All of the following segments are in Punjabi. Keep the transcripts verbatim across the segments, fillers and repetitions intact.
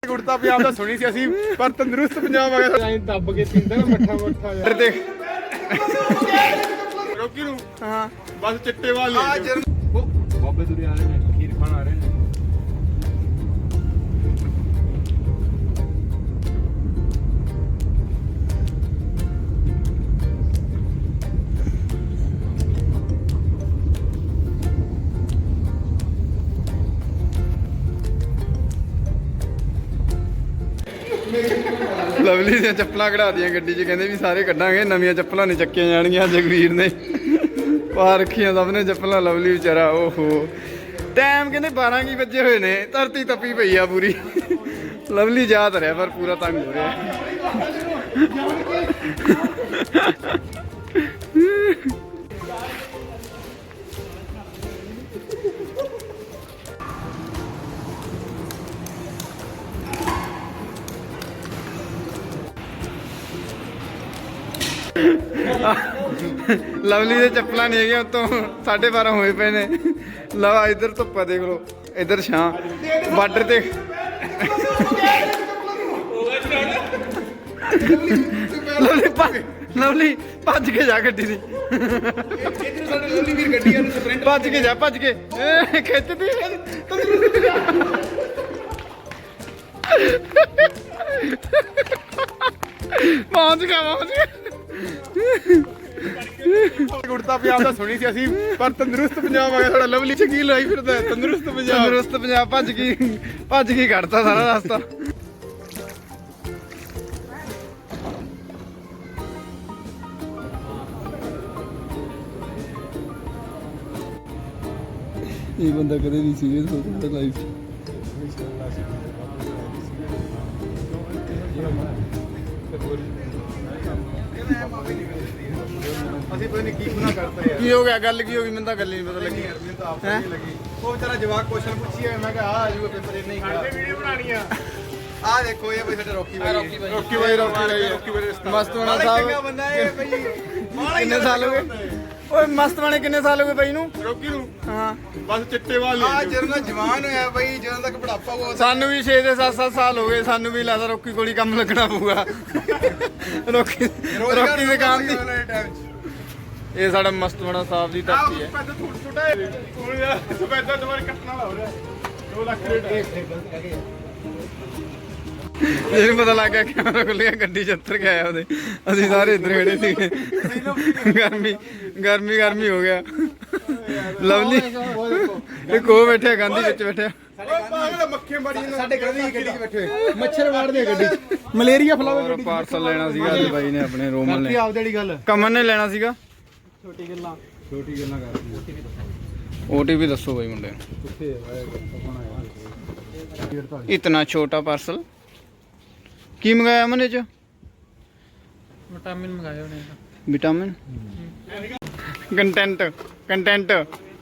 ਗੁੜਤਾ ਪੰਜਾਬ ਦਾ ਸੁਣੀ ਸੀ ਅਸੀਂ, ਪਰ ਤੰਦਰੁਸਤ ਪੰਜਾਬ ਆ ਗਿਆ ਐਂ ਦੱਬ ਕੇ ਪੀਂਦਾ ਨਾ ਮੱਠਾ ਮੱਠਾ ਯਾਰ ਦੇਖ ਰੋਕੀ ਨੂੰ। ਹਾਂ ਬਸ ਚਿੱਟੇ ਵਾਲ ਲੈ ਉਹ ਬਾਬੇ ਦੁਰੀ ਆ ਰਹੇ ਨੇ, ਖੀਰ ਖਾਣ ਆ ਰਹੇ ਨੇ। ਲਵਲੀ ਦੀਆਂ ਚੱਪਲਾਂ ਕਢਾ ਦੀਆਂ ਗੱਡੀ 'ਚ, ਕਹਿੰਦੇ ਵੀ ਸਾਰੇ ਕੱਢਾਂਗੇ, ਨਵੀਆਂ ਚੱਪਲਾਂ ਨਹੀਂ ਚੱਕੀਆਂ ਜਾਣਗੀਆਂ। ਜਗਵੀਰ ਨੇ ਪਾ ਰੱਖੀਆਂ ਸਭ ਨੇ ਚੱਪਲਾਂ, ਲਵਲੀ ਵਿਚਾਰਾ ਓਹੋ। ਟਾਈਮ ਕਹਿੰਦੇ ਬਾਰਾਂ ਕੀ ਵੱਜੇ ਹੋਏ ਨੇ, ਧਰਤੀ ਤਪੀ ਪਈ ਆ ਪੂਰੀ। ਲਵਲੀ ਯਾਦ ਰਿਹਾ ਪਰ ਪੂਰਾ ਤੰਗ ਹੋ ਰਿਹਾ। ਲਵਲੀ ਦੇ ਚੱਪਲਾਂ ਨਹੀਂ ਹੈਗੀਆਂ, ਉਤੋਂ ਸਾਢੇ ਬਾਰਾਂ ਹੋਏ ਪਏ ਨੇ। ਲਵਾ ਇੱਧਰ ਧੁੱਪਾ ਦੇਖ ਲੋ, ਇੱਧਰ ਛਾਂ ਬਾਰਡਰ ਤੇ। ਲਵਲੀ ਭੱਜ ਲਵਲੀ ਭੱਜ ਕੇ ਜਾ ਗੱਡੀ ਦੀ, ਭੱਜ ਕੇ ਜਾ ਭੱਜ ਕੇ ਖਿੱਚਦੀ ਪਹੁੰਚ ਗਿਆ ਪਹੁੰਚ ਗਿਆ। ਗੁੜਤਾ ਪੰਜਾਬ ਦਾ ਸੁਣੀ ਸੀ ਅਸੀਂ, ਪਰ ਤੰਦਰੁਸਤ ਪੰਜਾਬ ਆ ਗਿਆ ਸਾਡਾ। ਲਵਲੀ ਚ ਕੀ ਲਾਈ ਫਿਰਦਾ ਤੰਦਰੁਸਤ ਪੰਜਾਬ। ਤੰਦਰੁਸਤ ਪੰਜਾਬ ਭੱਜ ਗਈ ਭੱਜ ਗਈ ਕੱਢਤਾ ਸਾਰਾ ਰਸਤਾ। ਇਹ ਬੰਦਾ ਕਦੇ ਨਹੀਂ ਸੀਰੀਅਸ ਹੋ ਸਕਦਾ ਲਾਈਫ 'ਚ। ਅਸੀਂ ਪਤਾ ਨਹੀਂ ਕੀ ਗੁਨਾਹ ਕਰਤਾ ਯਾਰ। ਕੀ ਹੋ ਗਿਆ, ਗੱਲ ਕੀ ਹੋ ਗਈ? ਮੈਨੂੰ ਤਾਂ ਗੱਲ ਹੀ ਨਹੀਂ ਪਤਾ ਲੱਗੀ। ਮੈਨੂੰ ਤਾਂ ਆਪ ਨਹੀਂ ਲੱਗੀ। ਉਹ ਵਿਚਾਰਾ ਜਵਾਕ ਕੁਐਸਚਨ ਪੁੱਛੀ ਹੈ, ਮੈਂ ਕਿਹਾ ਆ ਆਜੂਗਾ ਪੇਪਰ, ਇਹ ਨਹੀਂ ਕਿਹਾ। ਵੀਡੀਓ ਬਣਾਣੀ ਆ। ਆ ਦੇਖੋ ਇਹ ਬਈ ਸਾਡਾ ਰੌਕੀ ਬਾਈ, ਰੌਕੀ ਬਾਈ ਰੌਕੀ ਬਾਈ ਰੌਕੀ ਬਾਈ ਮਸਤਵਾਣਾ ਸਾਹਿਬ। ਚੰਗਾ ਬੰਦਾ ਇਹ ਬਈ। ਕਿੰਨੇ ਸਾਲ ਹੋ ਗਏ ਓਏ ਮਸਤਵਾਣੇ? ਕਿੰਨੇ ਸਾਲ ਹੋ ਗਏ ਬਾਈ ਨੂੰ? ਰੌਕੀ ਨੂੰ। ਹਾਂ ਬਸ ਚਿੱਟੇ ਵਾਲ ਲੈ। ਆ ਜਦੋਂ ਜਵਾਨ ਹੋਇਆ ਬਈ, ਜਦੋਂ ਤੱਕ ਬੁਢਾਪਾ ਹੋਊਗਾ। ਸਾਨੂੰ ਵੀ ਛੇ ਦੇ ਸੱਤ ਸੱਤ ਸਾਲ ਹੋ ਗਏ, ਸਾਨੂੰ ਵੀ ਲੱਗਦਾ ਰੌਕੀ ਕੋਲ ਹੀ ਕੰਮ ਲੱਗਣਾ ਪਊਗਾ। ਰੌਕੀ ਰੌਕੀ ਦੇ ਕੰਮ ਦੀ। ਇਹ ਸਾਡਾ ਮਸਤਵਾਣਾ ਸਾਹਿਬ ਦੀ ਧਰਤੀ ਹੈ। ਇਹਨੂੰ ਪਤਾ ਲੱਗ ਗਿਆ ਕੈਮਰਾ ਖੁੱਲ ਗਿਆ, ਗੱਡੀ ਚ ਉੱਤਰ ਕੇ ਆਇਆ ਉਹਦੇ। ਅਸੀਂ ਸਾਰੇ ਇੱਧਰ ਖੜੇ ਸੀਗੇ। ਗਰਮੀ ਗਰਮੀ ਗਰਮੀ ਹੋ ਗਿਆ। ਲਵਲੀ ਇੱਕ ਉਹ ਬੈਠਿਆ, ਗਾਂਧੀ ਵਿੱਚ ਬੈਠਿਆ। ਸਾਡੇ ਗੱਡੀ ਚ ਬੈਠੇ ਮੱਛਰ ਵਾੜਦੇ ਗੱਡੀ ਚ, ਮਲੇਰੀਆ ਫੈਲਾਵੇ। ਪਾਰਸਲ ਲੈਣਾ ਸੀਗਾ ਅੱਜ ਬਾਈ ਨੇ ਆਪਣੇ ਰੋਮਨ ਨੇ। ਆਪਦੇ ਵਾਲੀ ਗੱਲ ਕਮਨ ਨੇ ਲੈਣਾ ਸੀਗਾ। ਛੋਟੀ ਗੱਲਾਂ ਛੋਟੀ ਗੱਲਾਂ ਕਰਦੀ। ਓਟੀਪੀ ਦੱਸੋ ਬਾਈ ਮੁੰਡੇ ਨੂੰ। ਇਤਨਾ ਛੋਟਾ ਪਾਰਸਲ ਕੀ ਮੰਗਾਇਆ ਮਨੇ ਚ? ਵਿਟਾमिन ਮੰਗਾਇਆ ਉਹਨੇ। Vitamin content content.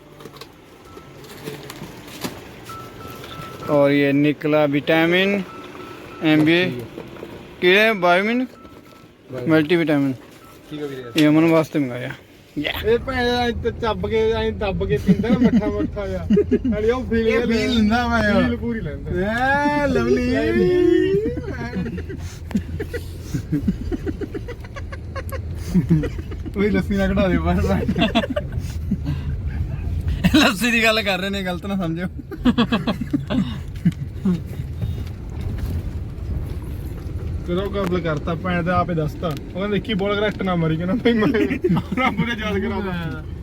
और ये निकला विटामिन एम बी ए बायोमिन मल्टी विटामिन। ये अमन वास्ते मंगाया। ਇਹ ਭੈਣ ਚੱਬ ਕੇ ਐਂ ਦੱਬ ਕੇ ਪੀਂਦਾ ਨਾ ਮੱਠਾ ਮੱਠਾ ਜਿਹਾ। ਨਾਲੇ ਉਹ ਫੀਲ ਫੀਲ ਲੈਂਦਾ ਮੈਂ, ਫੀਲ ਪੂਰੀ ਲੈਂਦਾ। ਐ ਲਵਲੀ ਉਹ ਲੱਸੀ ਨਾ ਕਢਾ ਦੇ ਬਾਹਰ। ਲੱਸੀ ਦੀ ਗੱਲ ਕਰ ਰਹੇ ਨੇ, ਗਲਤ ਨਾ ਸਮਝਿਓ। ਕਦੋਂ ਕਬਲ ਕਰਤਾ ਭੈਣ ਦਾ ਆਪੇ ਦੱਸਤਾ। ਉਹ ਕਹਿੰਦਾ ਦੇਖੀ ਬੋਲ ਕਰੈਕਟ ਨਾ ਮਰੀ, ਕਹਿੰਦਾ ਭਾਈ ਮੈਂ ਰੱਬ ਨੇ ਯਾਦ ਕਰਾਉਂਦਾ।